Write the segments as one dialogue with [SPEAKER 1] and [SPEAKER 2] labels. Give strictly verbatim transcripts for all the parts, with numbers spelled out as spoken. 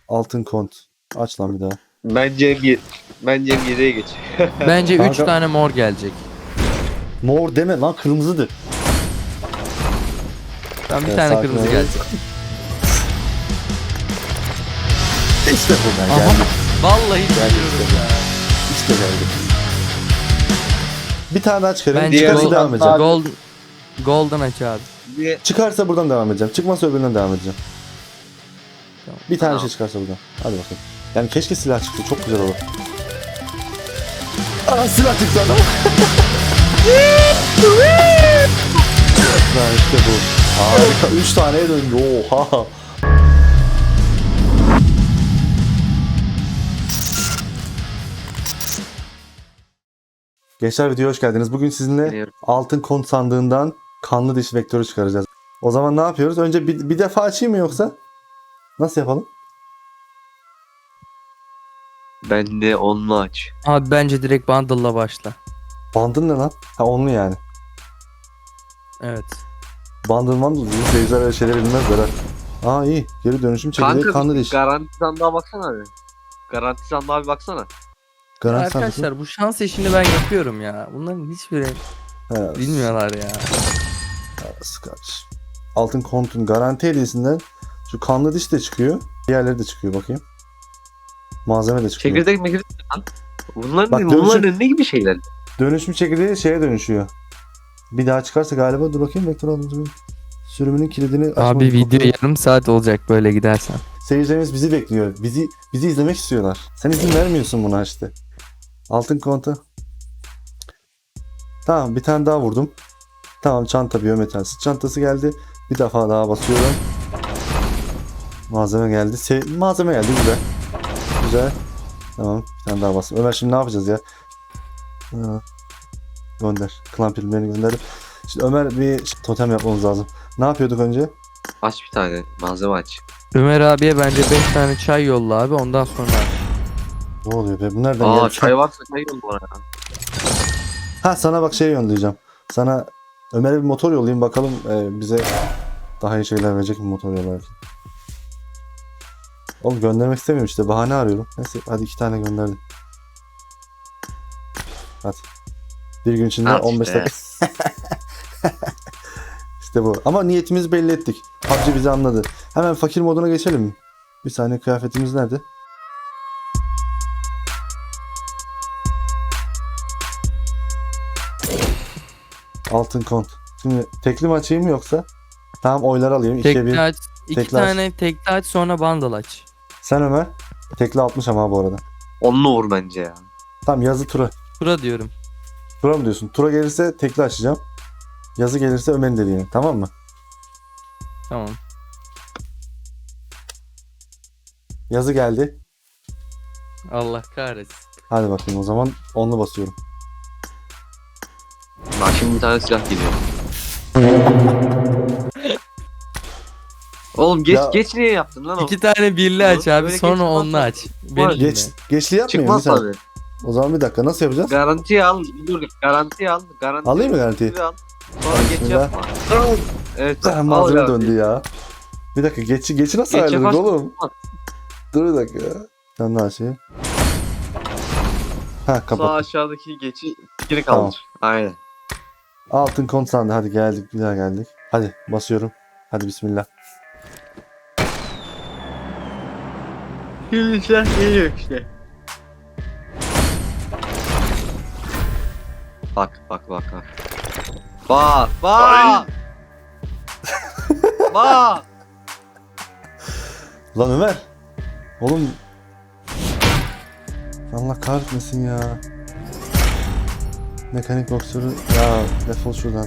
[SPEAKER 1] Altın kont. Aç lan bir daha.
[SPEAKER 2] Bence bir bence yediye geç.
[SPEAKER 3] Bence üç
[SPEAKER 1] Kanka-
[SPEAKER 3] tane mor gelecek.
[SPEAKER 1] Mor deme lan, kırmızıdır.
[SPEAKER 3] Ben bir
[SPEAKER 1] Ya,
[SPEAKER 3] tane
[SPEAKER 1] sakin
[SPEAKER 3] kırmızı
[SPEAKER 1] ol.
[SPEAKER 3] gelecek.
[SPEAKER 1] İşte buradan
[SPEAKER 3] Aha.
[SPEAKER 1] geldi.
[SPEAKER 3] Vallahi
[SPEAKER 1] Geldi
[SPEAKER 3] biliyorum
[SPEAKER 1] işte.
[SPEAKER 3] ya.
[SPEAKER 1] İşte geldi. Bir tane daha çıkarayım.
[SPEAKER 3] Bence
[SPEAKER 1] Çıkarsa
[SPEAKER 3] gold-
[SPEAKER 1] devam edeceğim.
[SPEAKER 3] Gold, golden aç abi.
[SPEAKER 2] Bir
[SPEAKER 1] Çıkarsa buradan devam edeceğim. Çıkmazsa öbüründen devam edeceğim.
[SPEAKER 3] Tamam.
[SPEAKER 1] Bir tane
[SPEAKER 2] Tamam.
[SPEAKER 1] şey çıkarsa buradan. Hadi bakalım. Yani keşke silah çıktı. Çok güzel olur. Aa, silah çıktı adam. Lan işte bu. Harika. Üç taneye döndü. Oha. Gençler, videoya hoş geldiniz. Bugün sizinle
[SPEAKER 2] Biliyorum.
[SPEAKER 1] altın kont sandığından kanlı diş vektörü çıkaracağız. O zaman ne yapıyoruz? Önce bir, bir defa açayım mı yoksa? Nasıl yapalım?
[SPEAKER 2] ben de onunla aç.
[SPEAKER 3] Abi bence direkt bundle'la başla.
[SPEAKER 1] Bandın ne lan? Ha, onlu yani.
[SPEAKER 3] Evet.
[SPEAKER 1] Bandın bandın. Bizim seyirciler öyle şeyleri bilmezler ha. Aa, iyi. Geri dönüşüm çekirdeği
[SPEAKER 2] Kanka
[SPEAKER 1] kanlı
[SPEAKER 2] bir
[SPEAKER 1] diş.
[SPEAKER 2] garanti sandığa baksana abi. Garanti sandığa bir baksana.
[SPEAKER 1] Garanti
[SPEAKER 3] Arkadaşlar
[SPEAKER 1] sandığı.
[SPEAKER 3] bu şans işini ben yapıyorum ya. Bunların hiçbiri
[SPEAKER 1] He,
[SPEAKER 3] bilmiyorlar ya.
[SPEAKER 1] Scotch. Altın kontun garanti hediyesinden şu kanlı diş de çıkıyor. Diğerleri de çıkıyor, bakayım. Malzeme de çıkıyor.
[SPEAKER 2] Çekirdek mekirdek lan. Bunların,
[SPEAKER 1] Bak,
[SPEAKER 2] bunların
[SPEAKER 1] dönüşüm-
[SPEAKER 2] ne gibi şeyler?
[SPEAKER 1] Dönüşüm çekirdeği şeye dönüşüyor. Bir daha çıkarsa galiba, dur bakayım, vektör aldım. Sürümünün kilidini açmamız
[SPEAKER 3] Abi video
[SPEAKER 1] gerekiyor.
[SPEAKER 3] yarım saat olacak böyle gidersen.
[SPEAKER 1] Seyircilerimiz bizi bekliyor. Bizi bizi izlemek istiyorlar. Sen izin vermiyorsun buna işte. Altın kontu. Tamam, bir tane daha vurdum. Tamam, çanta biyometal sırt çantası geldi. Bir defa daha basıyorum. Malzeme geldi. Se- malzeme geldi, güzel. Güzel. Tamam, bir tane daha bastım. Ömer, şimdi ne yapacağız ya? Ha, gönder. Klan filmlerini gönderdim. Şimdi Ömer, bir totem yapmamız lazım. Ne yapıyorduk önce?
[SPEAKER 2] Aç bir tane malzeme aç.
[SPEAKER 3] Ömer abiye bence beş tane çay yolla abi ondan sonra.
[SPEAKER 1] Ne oluyor be? Bu nereden
[SPEAKER 2] Aa
[SPEAKER 1] geldi?
[SPEAKER 2] çay varsa çay yolla bana ya.
[SPEAKER 1] Ha, sana bak şey yollayacağım. Sana Ömer'e bir motor yollayayım, bakalım e, bize daha iyi şeyler verecek mi motor yollarken. Oğlum, göndermek istemiyorum işte, bahane arıyorum. Neyse, hadi iki tane gönderdim. Hadi. Bir gün içinde
[SPEAKER 2] Al
[SPEAKER 1] on beş
[SPEAKER 2] işte.
[SPEAKER 1] dakika. İşte bu. Ama niyetimizi belli ettik. P U B G bizi anladı. Hemen fakir moduna geçelim mi? Bir saniye, kıyafetimiz nerede? Altın kont. Şimdi tekli mi açayım yoksa? Tamam, oylar alayım. İkiye
[SPEAKER 3] Tekli
[SPEAKER 1] bir.
[SPEAKER 3] aç. iki
[SPEAKER 1] tekli aç.
[SPEAKER 3] tane tekli aç sonra bundle aç.
[SPEAKER 1] Sen Ömer. Tekli altmış ama bu arada.
[SPEAKER 2] Onunla vur bence ya.
[SPEAKER 1] Tamam, yazı tura.
[SPEAKER 3] Tura diyorum.
[SPEAKER 1] Tura mı diyorsun? Tura gelirse tekli açacağım. Yazı gelirse Ömer'in dediğini. Tamam mı?
[SPEAKER 3] Tamam.
[SPEAKER 1] Yazı geldi.
[SPEAKER 3] Allah kahretsin.
[SPEAKER 1] Hadi bakayım, o zaman onlu basıyorum.
[SPEAKER 2] Bak şimdi bir tane silah geliyor. Oğlum geç
[SPEAKER 1] Ya-
[SPEAKER 2] geç niye yaptın lan o?
[SPEAKER 3] İki tane birli aç abi
[SPEAKER 2] Böyle
[SPEAKER 3] sonra
[SPEAKER 2] geçmez
[SPEAKER 3] onlu
[SPEAKER 2] lan.
[SPEAKER 3] aç. Beni dinle.
[SPEAKER 1] Geç, geçli yapmayayım
[SPEAKER 2] Çıkmaz
[SPEAKER 1] lütfen.
[SPEAKER 2] tabii.
[SPEAKER 1] O zaman bir dakika, nasıl yapacağız?
[SPEAKER 2] Garantiye al. Dur garantiye al. Garanti
[SPEAKER 1] Alayım mı garantiyi?
[SPEAKER 2] al. Sonra geç
[SPEAKER 1] Bismillah.
[SPEAKER 2] yapma. Evet. al
[SPEAKER 1] Malzeme
[SPEAKER 2] garantiyi.
[SPEAKER 1] döndü ya. Bir dakika, geçi, geçi nasıl
[SPEAKER 2] Geç
[SPEAKER 1] ayarladık
[SPEAKER 2] yaparsın.
[SPEAKER 1] oğlum? Dur bir dakika ya. Sen daha şey. Ha,
[SPEAKER 2] Sağ
[SPEAKER 1] kapat.
[SPEAKER 2] aşağıdaki geçi geri
[SPEAKER 1] Tamam.
[SPEAKER 2] kaldır. Aynen.
[SPEAKER 1] Altın kont sandı. Hadi geldik, bir daha geldik. Hadi basıyorum. Hadi bismillah.
[SPEAKER 2] Şimdi silah geliyor işte. Bak bak bak bak. Bak bak. Bak.
[SPEAKER 1] Lan Ömer. Oğlum. Allah kahretmesin ya. Mekanik boksörü. Ya defol şuradan.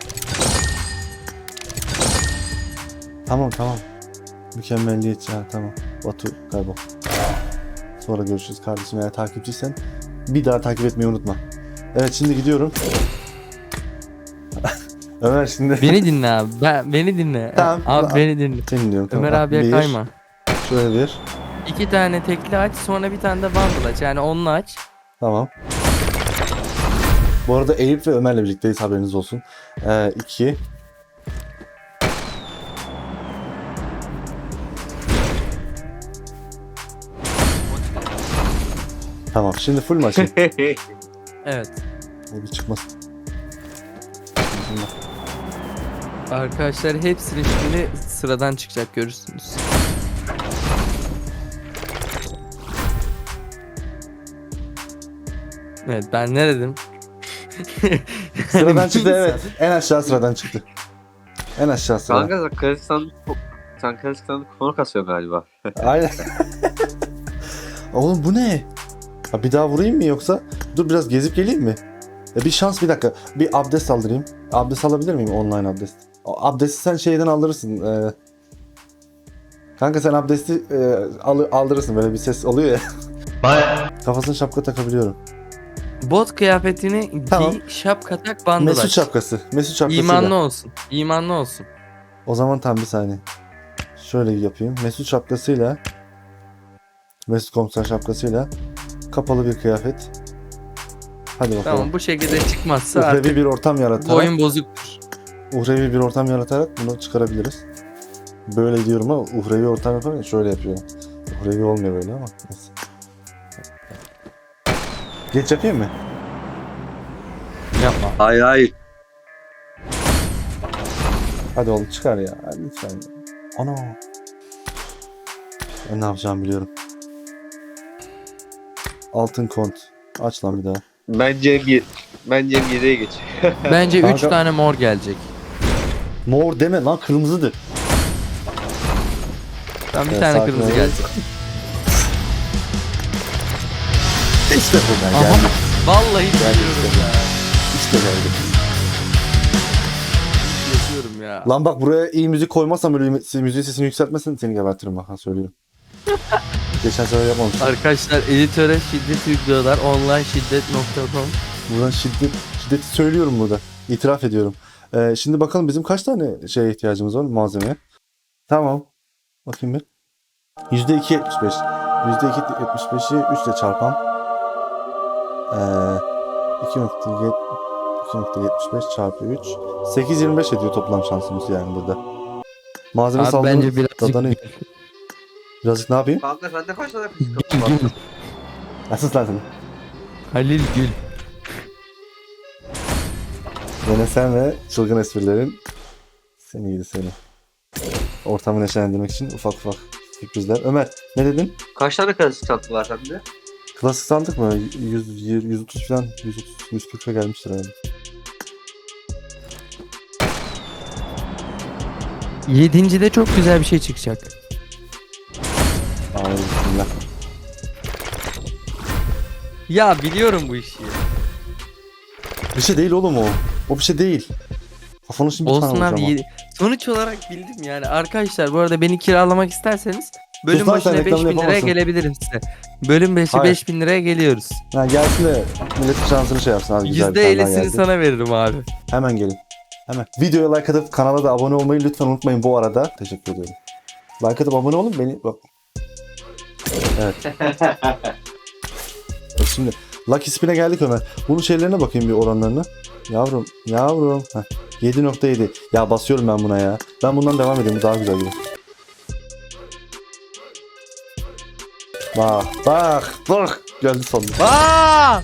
[SPEAKER 1] Tamam tamam. Mükemmelliyetçi, ha tamam. Batu kaybol. Sonra görüşürüz kardeşim, eğer takipçiysen bir daha takip etmeyi unutma. Evet, şimdi gidiyorum. Ömer şimdi.
[SPEAKER 3] Beni dinle abi. Ben, beni dinle.
[SPEAKER 1] Tamam.
[SPEAKER 3] Abi beni dinle.
[SPEAKER 1] Seni diyorum, tamam.
[SPEAKER 3] Ömer abiye
[SPEAKER 1] Bir,
[SPEAKER 3] kayma.
[SPEAKER 1] Şöyle bir.
[SPEAKER 3] İki tane tekli aç sonra bir tane de bundle aç. Yani onlu aç.
[SPEAKER 1] Tamam. Bu arada Eyüp ve Ömer'le birlikteyiz, haberiniz olsun. Ee, iki. Tamam şimdi full mu açayım?
[SPEAKER 3] Evet.
[SPEAKER 1] Bir çıkmasın.
[SPEAKER 3] Arkadaşlar hepsinin şimdi sıradan çıkacak görürsünüz. Evet ben ne dedim?
[SPEAKER 1] Sıradan çıktı evet. En aşağı sıradan çıktı. En aşağı sıradan.
[SPEAKER 2] Kanka sen Kırgızistan sen Kırgızistan'da konu kasıyor galiba.
[SPEAKER 1] Aynen. Oğlum bu ne? Ha, bir daha vurayım mı yoksa? Dur biraz gezip geleyim mi? E, bir şans bir dakika. Bir abdest aldırayım. Abdest alabilir miyim? Online abdest. O abdesti sen şeyden aldırırsın. Ee... Kanka sen abdesti e, al- aldırırsın. Böyle bir ses oluyor ya. Kafasına şapka takabiliyorum.
[SPEAKER 3] Bot kıyafetini
[SPEAKER 1] Tamam.
[SPEAKER 3] giy, şapka tak, bandılaç.
[SPEAKER 1] Mesut şapkası. Mesut şapkasıyla.
[SPEAKER 3] İmanlı olsun. İmanlı olsun.
[SPEAKER 1] O zaman tam bir saniye. Şöyle yapayım. Mesut şapkasıyla Mesut komiser şapkasıyla kapalı bir kıyafet. Hadi bakalım.
[SPEAKER 3] Tamam bu şekilde çıkmazsa
[SPEAKER 1] Uhrevi
[SPEAKER 3] artık
[SPEAKER 1] bir ortam
[SPEAKER 3] bu
[SPEAKER 1] yaratarak
[SPEAKER 3] oyun bozuktur.
[SPEAKER 1] uhrevi bir ortam yaratarak bunu çıkarabiliriz. Böyle diyorum ama uhrevi ortam yaparken şöyle yapıyorum. Uhrevi olmuyor böyle ama neyse. Geç yapayım mı?
[SPEAKER 3] Yapma.
[SPEAKER 2] Hayır hayır.
[SPEAKER 1] Hadi oğlum çıkar ya. Hadi lütfen. Ana. Ben ne yapacağımı biliyorum. Altın kont. Aç lan bir daha.
[SPEAKER 2] Bence bir bence yediye geç.
[SPEAKER 3] Bence üç
[SPEAKER 1] Kanka-
[SPEAKER 3] tane mor gelecek.
[SPEAKER 1] Mor deme lan kırmızıdır.
[SPEAKER 3] Ben bir
[SPEAKER 1] Evet,
[SPEAKER 3] tane
[SPEAKER 1] sakin
[SPEAKER 3] kırmızı
[SPEAKER 1] ol.
[SPEAKER 3] gelecek.
[SPEAKER 1] İşte buradan
[SPEAKER 3] Aha.
[SPEAKER 1] geldi.
[SPEAKER 3] Vallahi
[SPEAKER 1] Geldi
[SPEAKER 3] biliyorum
[SPEAKER 1] işte.
[SPEAKER 3] ya.
[SPEAKER 1] İşte geldi.
[SPEAKER 3] Yaşıyorum ya.
[SPEAKER 1] Lan bak buraya iyi müzik koymazsam böyle müziğin sesini yükseltmesin seni gebertirim bak ha söylüyorum. Geçen sefer yapmamıştım.
[SPEAKER 3] Arkadaşlar editöre şiddet yüklüyorlar. online şiddet nokta com.
[SPEAKER 1] Buradan şiddet, şiddeti söylüyorum burada. İtiraf ediyorum. Ee, şimdi bakalım bizim kaç tane şeye ihtiyacımız var malzemeye. Tamam. Bakayım bir. yüzde iki yetmiş beş. yüzde iki yetmiş beşi üç ile çarpam. Ee, iki nokta yetmiş beş çarpı üç. sekiz yirmi beş ediyor toplam şansımız yani burada. Malzeme
[SPEAKER 3] Abi
[SPEAKER 1] saldırı
[SPEAKER 3] bence birazcık
[SPEAKER 1] dadanayım. Birazcık ne yapayım?
[SPEAKER 2] Kanka sende kaç tane kız
[SPEAKER 3] Gül,
[SPEAKER 2] var?
[SPEAKER 3] gül.
[SPEAKER 1] Asıl lan seni.
[SPEAKER 3] Halil Gül.
[SPEAKER 1] Yine sen ve çılgın esprilerin seni gidi seni. Ortamı neşelendirmek için ufak ufak sürprizler. Ömer ne dedin?
[SPEAKER 2] Kaç tane kız çantı var sende?
[SPEAKER 1] Klasik sandık mı? yüz, yüz otuz falan yüz otuz yüz kırka gelmiştir herhalde.
[SPEAKER 3] Yedincide çok güzel bir şey çıkacak.
[SPEAKER 1] Amin bismillah.
[SPEAKER 3] Ya biliyorum bu işi.
[SPEAKER 1] Bir şey değil oğlum o. O bir şey değil. Kafanı şimdi bir tane
[SPEAKER 3] Olsun abi.
[SPEAKER 1] vuracağım
[SPEAKER 3] yedi- Sonuç olarak bildim yani. Arkadaşlar bu arada beni kiralamak isterseniz bölüm
[SPEAKER 1] Sus lan, sen
[SPEAKER 3] başına beş
[SPEAKER 1] reklamını
[SPEAKER 3] bin liraya
[SPEAKER 1] yapamazsın.
[SPEAKER 3] gelebilirim size. Bölüm beşi
[SPEAKER 1] Hayır.
[SPEAKER 3] beş bin liraya geliyoruz.
[SPEAKER 1] ha. Ha, gelsin de milletin şansını şey yapsın. Hadi güzel bir
[SPEAKER 3] yüzde
[SPEAKER 1] tane daha
[SPEAKER 3] ellisini
[SPEAKER 1] geldi.
[SPEAKER 3] sana veririm abi.
[SPEAKER 1] Hemen gelin. Hemen. Videoya like atıp kanala da abone olmayı lütfen unutmayın bu arada. Teşekkür ediyorum. Like atıp abone olun beni bak. Evet. Bak şimdi Lucky Spin'e geldik Ömer. Bunun şeylerine bakayım bir oranlarına. Yavrum, yavrum. Heh, yedi nokta yedi. Ya basıyorum ben buna ya. Ben bundan devam edeyim. Bu daha güzel gibi. Bak, bak, bak. Geldi sonunda.
[SPEAKER 3] Aa!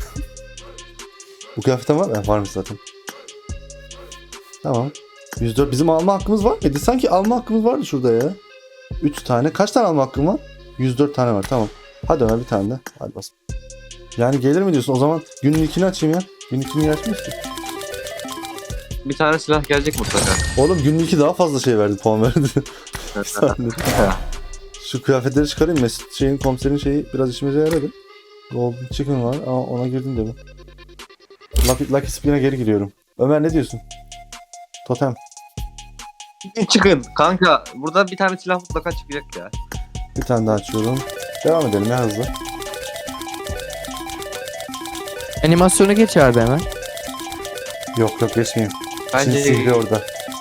[SPEAKER 1] Bu kıyafetten var mı? Varmış zaten. Tamam. yüz dört. Bizim alma hakkımız var mıydı? Sanki alma hakkımız vardı şurada ya. üç tane. Kaç tane alma hakkım var? yüz dört tane var. Tamam. Hadi Ömer bir tane de. Hadi bas. Yani gelir mi diyorsun? O zaman günün ilkini açayım ya. Günün ilkini açmıyoruz ki.
[SPEAKER 2] Bir tane silah gelecek mutlaka.
[SPEAKER 1] Oğlum günün ilki daha fazla şey verdi. Puan verdi. Bir saniye. Şu kıyafetleri çıkarayım. Mesut şeyin komiserin şeyi biraz işimize yaradı. Golden Chicken var ama ona girdim de mi? Lucky, Lucky Spin'e geri giriyorum. Ömer ne diyorsun? Totem.
[SPEAKER 2] Çıkın. Kanka burada bir tane silah mutlaka çıkacak ya.
[SPEAKER 1] Bir tane daha açıyorum. Devam edelim ya hızlı.
[SPEAKER 3] Animasyonu geç abi hemen.
[SPEAKER 1] Yok yok geçmeyeyim. Çin
[SPEAKER 2] Bence
[SPEAKER 1] sihri orada.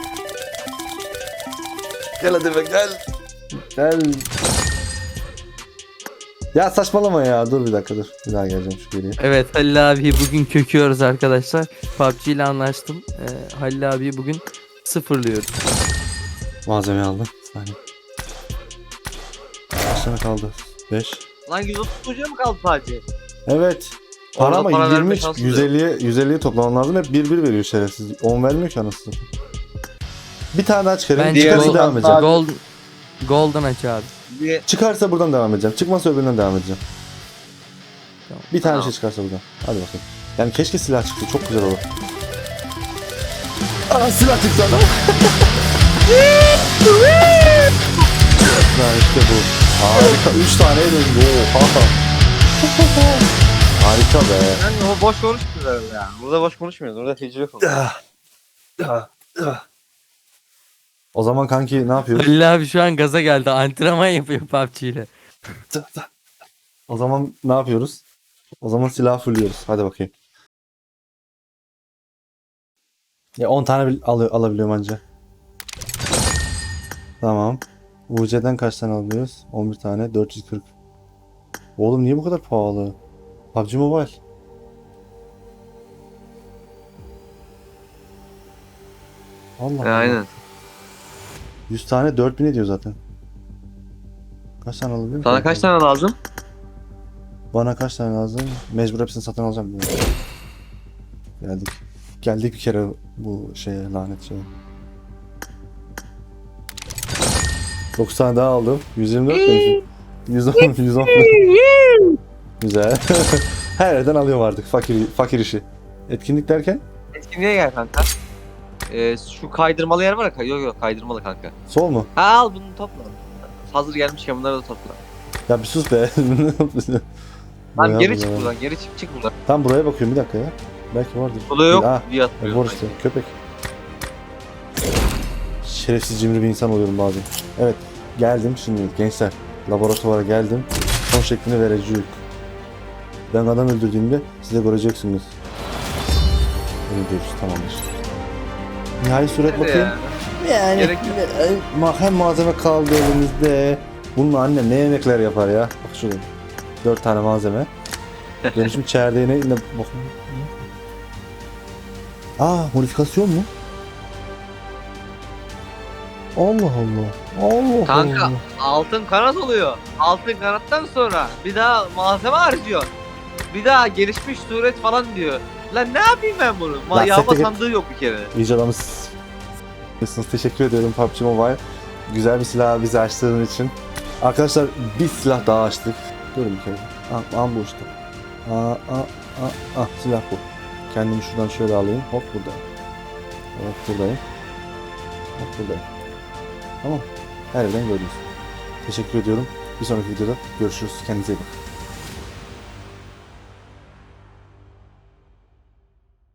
[SPEAKER 1] Gel hadi be gel. Gel. Ya saçmalama ya. Dur bir dakika dur. Bir daha geleceğim şu geriye.
[SPEAKER 3] Evet Halil abi bugün köküyoruz arkadaşlar. P U B G ile anlaştım. Ee, Halil abi bugün sıfırlıyoruz.
[SPEAKER 1] Malzeme aldım. Bir saniye. Kaç tane kaldı? beş.
[SPEAKER 2] Lan yüz otuz ucu mu kaldı sadece?
[SPEAKER 1] Evet.
[SPEAKER 2] Orada
[SPEAKER 1] Para ama
[SPEAKER 2] para verme
[SPEAKER 1] yirmi
[SPEAKER 2] şansı
[SPEAKER 1] yüz elliye yüz elliye toplaman lazım. Hep bir bir veriyor şerefsiz. on vermiyor ki anasını. Bir tane daha çıkarayım.
[SPEAKER 3] Bence
[SPEAKER 1] Çıkarsa
[SPEAKER 3] gold-
[SPEAKER 1] devam edeceğim.
[SPEAKER 3] Gold, golden aç abi.
[SPEAKER 2] Bir
[SPEAKER 1] Çıkarsa buradan devam edeceğim. Çıkmazsa öbüründen devam edeceğim.
[SPEAKER 3] Tamam.
[SPEAKER 1] Bir tane
[SPEAKER 2] Tamam.
[SPEAKER 1] şey çıkarsa buradan. Hadi bakalım. Yani keşke silah çıktı. Çok güzel olur. Aa silah çıktı adam. Ha işte bu. Harika. Üç taneye döndü. Oha. Harika be.
[SPEAKER 2] yani o boş konuşmuyoruz herhalde ya. Burada boş konuşmuyoruz. Burada tecrübe konuşuyoruz.
[SPEAKER 1] O zaman kanki ne yapıyoruz?
[SPEAKER 3] Halil abi şu an gaza geldi. Antrenman yapıyor P U B G ile.
[SPEAKER 1] O zaman ne yapıyoruz? O zaman silah fulluyoruz. Hadi bakayım. Ya on tane bil- al alabiliyorum anca. Tamam. U C'den kaç tane alabiliyoruz? on bir tane. dört yüz kırk. Oğlum niye bu kadar pahalı? P U B G Mobile. Allah Allah.
[SPEAKER 2] Aynen.
[SPEAKER 1] yüz tane dört bin ediyor zaten. Kaç tane alabiliyorum?
[SPEAKER 2] Sana kaç tane lazım?
[SPEAKER 1] Bana kaç tane lazım? Mecbur hepsini satın alacağım. Geldik. Geldik bir kere bu şeye, lanet şeye. dokuz tane daha aldım. yüz yirmi dört demişim. yüz on, yüz on. Güzel. Her yerden alıyorum artık fakir fakir işi. Etkinlik derken
[SPEAKER 2] Etkinliğe gel kanka. Ee, şu kaydırmalı yer var ya. Yok yok kaydırmalı kanka.
[SPEAKER 1] sol mu?
[SPEAKER 2] Ha al bunu topla. Hazır gelmişken bunları da topla.
[SPEAKER 1] Ya bir sus be.
[SPEAKER 2] Lan
[SPEAKER 1] Ya
[SPEAKER 2] geri
[SPEAKER 1] bu
[SPEAKER 2] çık
[SPEAKER 1] ya.
[SPEAKER 2] buradan. Geri çık çık buradan.
[SPEAKER 1] Tam buraya bakıyorum bir dakika ya. Belki vardır.
[SPEAKER 2] Burada yok
[SPEAKER 1] Ha,
[SPEAKER 2] diye
[SPEAKER 1] e,
[SPEAKER 2] hatırlıyorum.
[SPEAKER 1] var işte köpek. Şerefsiz cimri bir insan oluyorum bazen. Evet geldim şimdi gençler. Laboratuvara geldim. Son şeklini vereceğim. Ben adam öldürdüğümde size göreceksiniz. Öyle diyoruz tamamdır. Nihai suret
[SPEAKER 2] Nerede
[SPEAKER 1] bakayım.
[SPEAKER 2] ya?
[SPEAKER 1] Yani
[SPEAKER 2] Gerek yok.
[SPEAKER 1] ma- hem malzeme kaldı elimizde. Bununla annem ne yemekler yapar ya. Bak şurada. Dört tane malzeme. Dönüşüm çerdeğine yine bakın. Aa modifikasyon mu? Allah Allah. Allah
[SPEAKER 2] Kanka
[SPEAKER 1] Allah.
[SPEAKER 2] altın kanat oluyor. Altın kanattan sonra bir daha malzeme harcıyor. Bir daha gelişmiş suret falan diyor. Lan ne yapayım ben bunu? Ma
[SPEAKER 1] Lan
[SPEAKER 2] yağma
[SPEAKER 1] sekte git.
[SPEAKER 2] sandığı yok bir kere.
[SPEAKER 1] İyice adamız. Teşekkür ediyorum P U B G Mobile. Güzel bir silah bize açtığın için. Arkadaşlar bir silah daha açtık. Durun bir kere. Ah, ah bu işte. Aa, ah, ah, ah, silah bu. Kendimi şuradan şöyle alayım. Hop buradayım. Hop buradayım. Hop buradayım. Tamam. Her yerden gördünüz. Teşekkür ediyorum. Bir sonraki videoda görüşürüz. Kendinize iyi bakın.